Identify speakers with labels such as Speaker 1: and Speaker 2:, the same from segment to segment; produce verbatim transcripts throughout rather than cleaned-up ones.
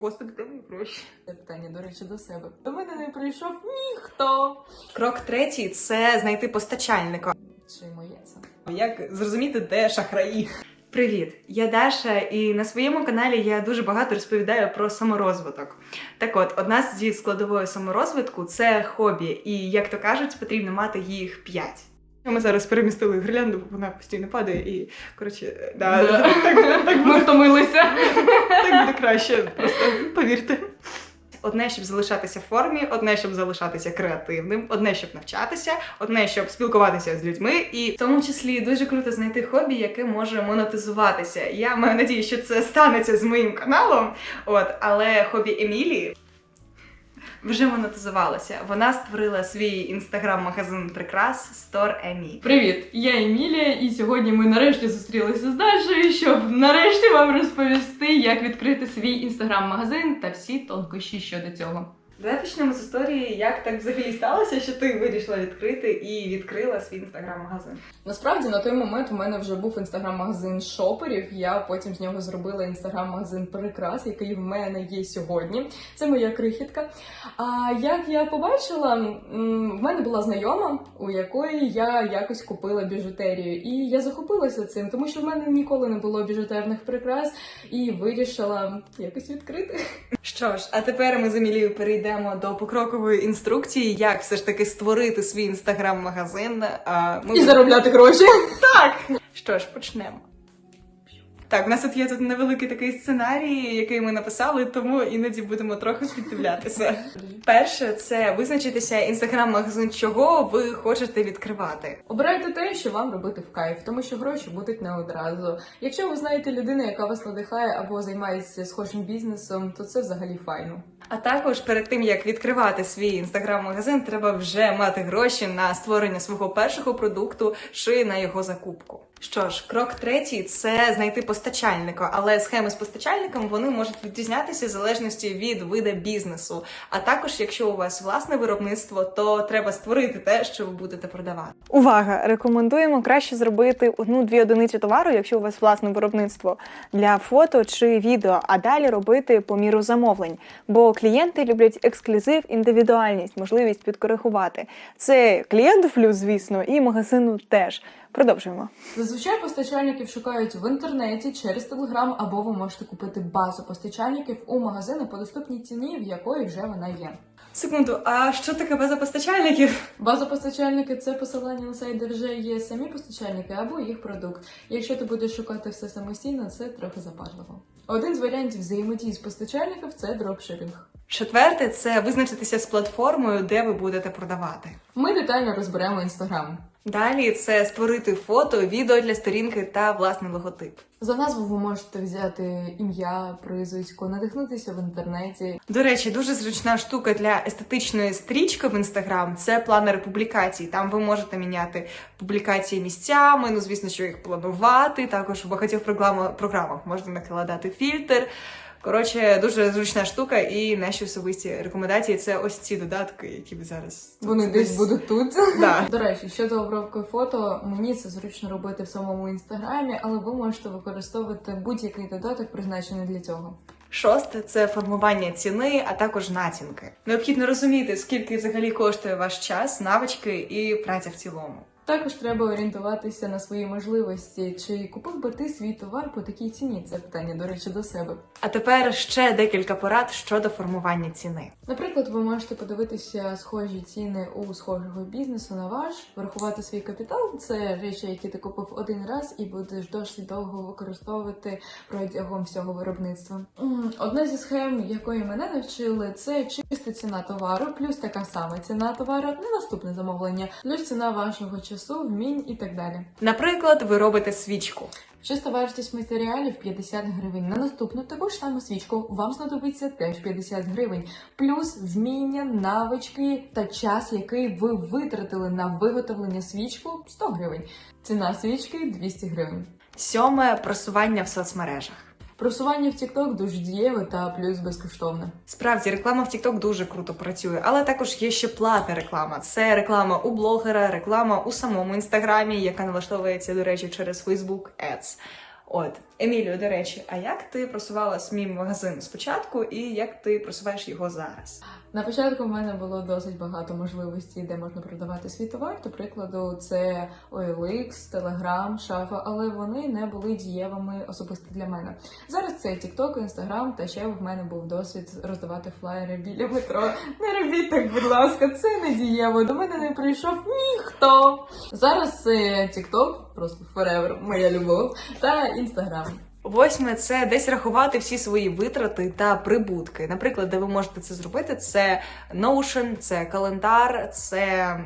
Speaker 1: Господи, де мої гроші?
Speaker 2: Це питання, до речі, до себе. До мене не прийшов ніхто.
Speaker 1: Крок третій – це знайти постачальника.
Speaker 2: Чи моє це?
Speaker 1: Як зрозуміти, де шахраї? Привіт, я Даша, і на своєму каналі я дуже багато розповідаю про саморозвиток. Так от, одна зі складової саморозвитку – це хобі, і, як то кажуть, потрібно мати їх п'ять. Ми зараз перемістили гірлянду, вона постійно падає і, коротше, да,
Speaker 2: Да.
Speaker 1: Так, так, так,
Speaker 2: Ми втомилися.
Speaker 1: так буде краще, просто повірте. Одне, щоб залишатися в формі, одне, щоб залишатися креативним, одне, щоб навчатися, одне, щоб спілкуватися з людьми, і в тому числі дуже круто знайти хобі, яке може монетизуватися. Я маю надію, що це станеться з моїм каналом, от, але хобі Емілії вже монетизувалося. Вона створила свій інстаграм-магазин прикрас Store Емі.
Speaker 2: Привіт, я Емілія, і сьогодні ми нарешті зустрілися з Дашою, щоб нарешті вам розповісти, як відкрити свій інстаграм-магазин та всі тонкощі щодо цього.
Speaker 1: Давай почнемо з історії, як так взагалі сталося, що ти вирішила відкрити і відкрила свій інстаграм-магазин.
Speaker 2: Насправді, на той момент у мене вже був інстаграм-магазин шоперів, я потім з нього зробила інстаграм-магазин прикрас, який в мене є сьогодні. Це моя крихітка. А як я побачила, в мене була знайома, у якої я якось купила біжутерію. І я захопилася цим, тому що в мене ніколи не було біжутерних прикрас, і вирішила якось відкрити.
Speaker 1: Що ж, а тепер ми з Емілією перейдемо до покрокової інструкції, як все ж таки створити свій інстаграм-магазин. А ми...
Speaker 2: І заробляти гроші.
Speaker 1: Так! Що ж, почнемо. Так, у нас тут є тут невеликий такий сценарій, який ми написали, тому іноді будемо трохи піддивлятися. Перше, це визначитися інстаграм-магазин, чого ви хочете відкривати.
Speaker 2: Обирайте те, що вам робити в кайф, тому що гроші будуть не одразу. Якщо ви знаєте людину, яка вас надихає або займається схожим бізнесом, то це взагалі файно.
Speaker 1: А також перед тим, як відкривати свій інстаграм-магазин, треба вже мати гроші на створення свого першого продукту чи на його закупку. Що ж, крок третій – це знайти постачальника, але схеми з постачальником вони можуть відрізнятися в залежності від виду бізнесу. А також, якщо у вас власне виробництво, то треба створити те, що ви будете продавати.
Speaker 3: Увага! Рекомендуємо краще зробити одну-дві одиниці товару, якщо у вас власне виробництво, для фото чи відео, а далі робити по міру замовлень. Бо клієнти люблять ексклюзив, індивідуальність, можливість підкоригувати. Це клієнту плюс, звісно, і магазину теж. Продовжуємо.
Speaker 2: Зазвичай постачальників шукають в інтернеті через Телеграм, або ви можете купити базу постачальників у магазини по доступній ціні, в якої вже вона є.
Speaker 1: Секунду, а що таке база постачальників?
Speaker 2: База постачальники – це посилання на сайт, де вже є самі постачальники або їх продукт. Якщо ти будеш шукати все самостійно, це трохи запарливо. Один з варіантів взаємодії з постачальників – це дропшипінг.
Speaker 1: Четверте – це визначитися з платформою, де ви будете продавати.
Speaker 2: Ми детально розберемо Інстаграм.
Speaker 1: Далі це створити фото, відео для сторінки та власний логотип.
Speaker 2: За назву ви можете взяти ім'я, прізвисько, надихнутися в інтернеті.
Speaker 1: До речі, дуже зручна штука для естетичної стрічки в Інстаграм – це планери публікацій. Там ви можете міняти публікації місцями, ну звісно, що їх планувати. Також в багатьох програмах, програмах можна накладати фільтр. Коротше, дуже зручна штука, і наші особисті рекомендації – це ось ці додатки, які ви зараз...
Speaker 2: Вони
Speaker 1: тут
Speaker 2: десь будуть тут.
Speaker 1: Да.
Speaker 2: До речі, щодо обробки фото, мені це зручно робити в самому інстаграмі, але ви можете використовувати будь-який додаток, призначений для цього.
Speaker 1: Шосте – це формування ціни, а також націнки. Необхідно розуміти, скільки взагалі коштує ваш час, навички і праця в цілому.
Speaker 2: Також треба орієнтуватися на свої можливості. Чи купив би ти свій товар по такій ціні? Це питання, до речі, до себе.
Speaker 1: А тепер ще декілька порад щодо формування ціни.
Speaker 2: Наприклад, ви можете подивитися схожі ціни у схожого бізнесу на ваш, врахувати свій капітал. Це речі, які ти купив один раз і будеш досить довго використовувати протягом всього виробництва. Одна зі схем, якої мене навчили, це чиста ціна товару, плюс така сама ціна товару на наступне замовлення, плюс ціна вашого часу, вмінь і так далі.
Speaker 1: Наприклад, ви робите свічку.
Speaker 2: Чиста вартість матеріалів п'ятдесят гривень. На наступну таку ж саму свічку вам знадобиться теж п'ятдесят гривень. Плюс вміння, навички та час, який ви витратили на виготовлення свічку – сто гривень. Ціна свічки – двісті гривень.
Speaker 1: Сьоме – просування в соцмережах.
Speaker 2: Просування в TikTok дуже дієве та плюс безкоштовне.
Speaker 1: Справді, реклама в TikTok дуже круто працює, але також є ще платна реклама. Це реклама у блогера, реклама у самому інстаграмі, яка налаштовується, до речі, через Facebook Ads. От. Емілію, до речі, а як ти просувала свій магазин спочатку і як ти просуваєш його зараз?
Speaker 2: На початку в мене було досить багато можливостей, де можна продавати свій товар. До прикладу, це о ел ікс, Telegram, Шафа, але вони не були дієвими особисто для мене. Зараз це TikTok, Instagram, та ще в мене був досвід роздавати флаєри біля метро. Не робіть так, будь ласка, це не дієво. До мене не прийшов ніхто. Зараз це TikTok, просто forever, моя любов, та Instagram.
Speaker 1: Восьме – це десь рахувати всі свої витрати та прибутки. Наприклад, де ви можете це зробити, це Notion, це календар, це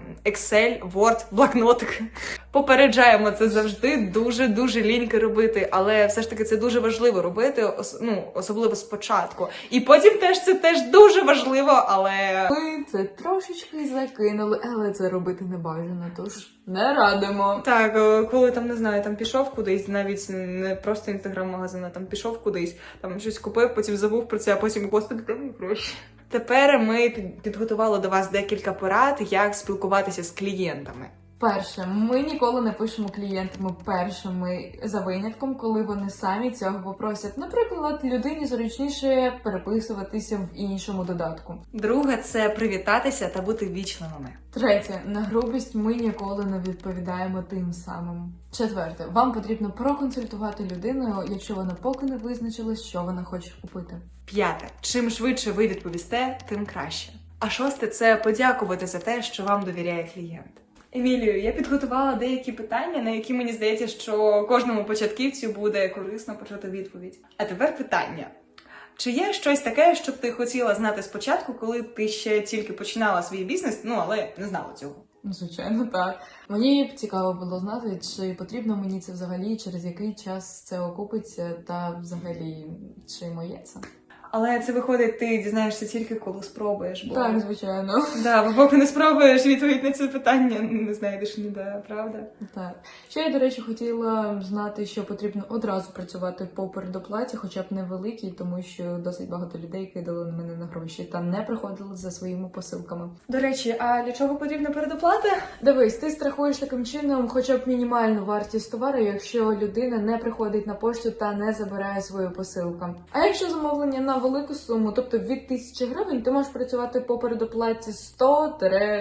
Speaker 1: Excel, Word, блокнотик. Попереджаємо, це завжди дуже-дуже ліньки робити, але все ж таки це дуже важливо робити, ос- ну, особливо спочатку. І потім теж це теж дуже важливо, але...
Speaker 2: Ми це трошечки закинули, але це робити не бажано, тож не радимо.
Speaker 1: Так, е, коли там, не знаю, там пішов кудись, навіть не просто інстаграм-магазин, а там пішов кудись, там щось купив, потім забув про це, а потім, господи, де мої гроші? Тепер ми під- підготували до вас декілька порад, як спілкуватися з клієнтами.
Speaker 2: Перше, ми ніколи не пишемо клієнтам першими за винятком, коли вони самі цього попросять. Наприклад, людині зручніше переписуватися в іншому додатку.
Speaker 1: Друге – це привітатися та бути вічливими.
Speaker 2: Третє, на грубість ми ніколи не відповідаємо тим самим. Четверте, вам потрібно проконсультувати людину, якщо вона поки не визначилась, що вона хоче купити.
Speaker 1: П'яте – чим швидше ви відповісте, тим краще. А шосте – це подякувати за те, що вам довіряє клієнт. Емілію, я підготувала деякі питання, на які мені здається, що кожному початківцю буде корисно почути відповідь. А тепер питання. Чи є щось таке, що б ти хотіла знати спочатку, коли ти ще тільки починала свій бізнес, ну, але не знала цього?
Speaker 2: Звичайно, так. Мені б цікаво було знати, чи потрібно мені це взагалі, через який час це окупиться, та взагалі, чи моє це.
Speaker 1: Але це виходить, ти дізнаєшся тільки коли спробуєш. Бо...
Speaker 2: Так, звичайно.
Speaker 1: Да, бо поки не спробуєш, відповідь на це питання не знайдеш ніде, правда?
Speaker 2: Так. Ще я, до речі, хотіла знати, що потрібно одразу працювати по передоплаті, хоча б невеликій, тому що досить багато людей кидали на мене на гроші та не приходили за своїми посилками.
Speaker 1: До речі, а для чого потрібна передоплата?
Speaker 2: Дивись, ти страхуєш таким чином хоча б мінімальну вартість товару, якщо людина не приходить на пошту та не забирає свою посилку. А якщо замовлення на велику суму, тобто від тисячі гривень, ти можеш працювати по передоплаті сто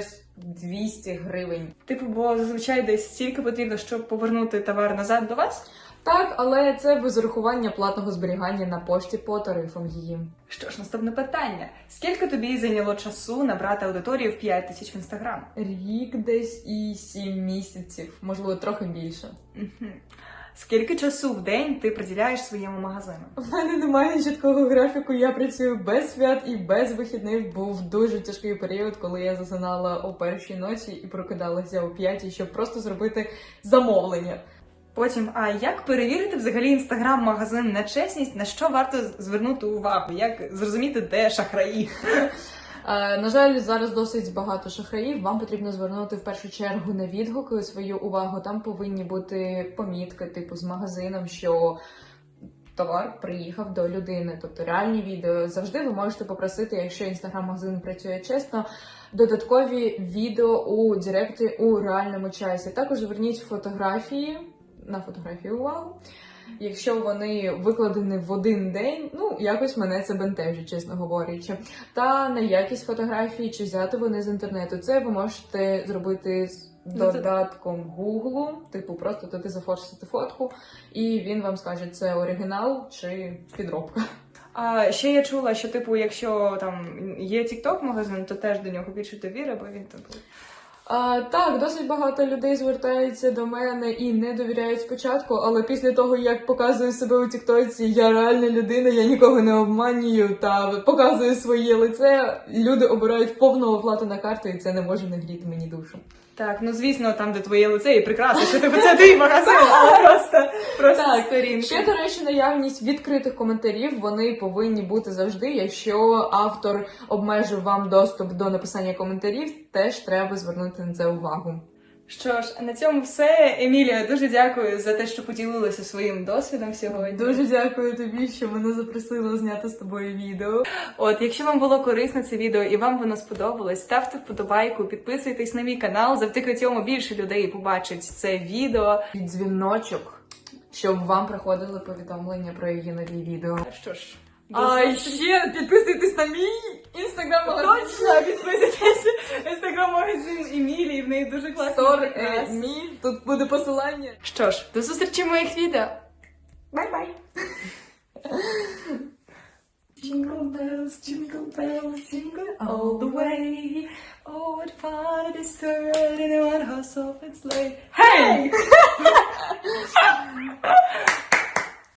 Speaker 2: двісті гривень.
Speaker 1: Типу, бо зазвичай десь стільки потрібно, щоб повернути товар назад до вас?
Speaker 2: Так, але це без урахування платного зберігання на пошті по тарифам її.
Speaker 1: Що ж, наступне питання. Скільки тобі зайняло часу набрати аудиторію в п'ять тисяч в Інстаграм?
Speaker 2: Рік десь і сім місяців, можливо, трохи більше.
Speaker 1: Угу. Скільки часу в день ти приділяєш своєму магазину?
Speaker 2: В мене немає чіткого графіку, я працюю без свят і без вихідних. Був дуже тяжкий період, коли я засинала о першій ночі і прокидалася о п'ятій, щоб просто зробити замовлення.
Speaker 1: Потім, а як перевірити взагалі інстаграм-магазин на чесність, на що варто звернути увагу? Як зрозуміти, де шахраї?
Speaker 2: Е, На жаль, зараз досить багато шахраїв. Вам потрібно звернути в першу чергу на відгуки свою увагу. Там повинні бути помітки, типу з магазином, що товар приїхав до людини. Тобто реальні відео. Завжди ви можете попросити, якщо інстаграм-магазин працює чесно, додаткові відео у директі у реальному часі. Також зверніть фотографії, на фотографії увагу. Якщо вони викладені в один день, ну, якось мене це бентежить, чесно говорячи. Та на якість фотографії, чи взяти вони з інтернету. Це ви можете зробити з додатком Google, типу просто туди зафорсити фотку, і він вам скаже, це оригінал чи підробка.
Speaker 1: А ще я чула, що типу, якщо там є TikTok-магазин, то теж до нього більше довіри, бо він типу.
Speaker 2: А, так, досить багато людей звертаються до мене і не довіряють спочатку, але після того, як показую себе у тіктоці, я реальна людина, я нікого не обманюю та показую своє лице, люди обирають повну оплату на карту, і це не може не гріти мені душу.
Speaker 1: Так, ну звісно, там, де твоє лице, і прекрасно, що типу це твій магазин, але просто, просто
Speaker 2: Так,
Speaker 1: сторінки.
Speaker 2: ще, до речі, наявність відкритих коментарів, вони повинні бути завжди. Якщо автор обмежив вам доступ до написання коментарів, теж треба звернути на це увагу.
Speaker 1: Що ж, а на цьому все. Емілія, дуже дякую за те, що поділилася своїм досвідом сьогодні.
Speaker 2: Дуже дякую тобі, що мене запросила зняти з тобою відео.
Speaker 1: От, якщо вам було корисно це відео і вам воно сподобалось, ставте вподобайку, підписуйтесь на мій канал, завдяки цьому більше людей побачить це відео.
Speaker 2: І дзвіночок, щоб вам приходили повідомлення про її нові відео.
Speaker 1: Що ж,
Speaker 2: А ще підписуйтесь на мій інстаграм-магазин.
Speaker 1: точно підписуйтесь на інстаграм-магазин Емілії, в неї дуже класний
Speaker 2: Сор
Speaker 1: прикрас.
Speaker 2: мі, тут буде посилання.
Speaker 1: Що ж, до зустрічі в моїх відео.
Speaker 2: Бай-бай!
Speaker 1: Jingle bells, jingle bells, jingle all the way. Oh, what fun it is to ride in a one-horse open sleigh. Hey!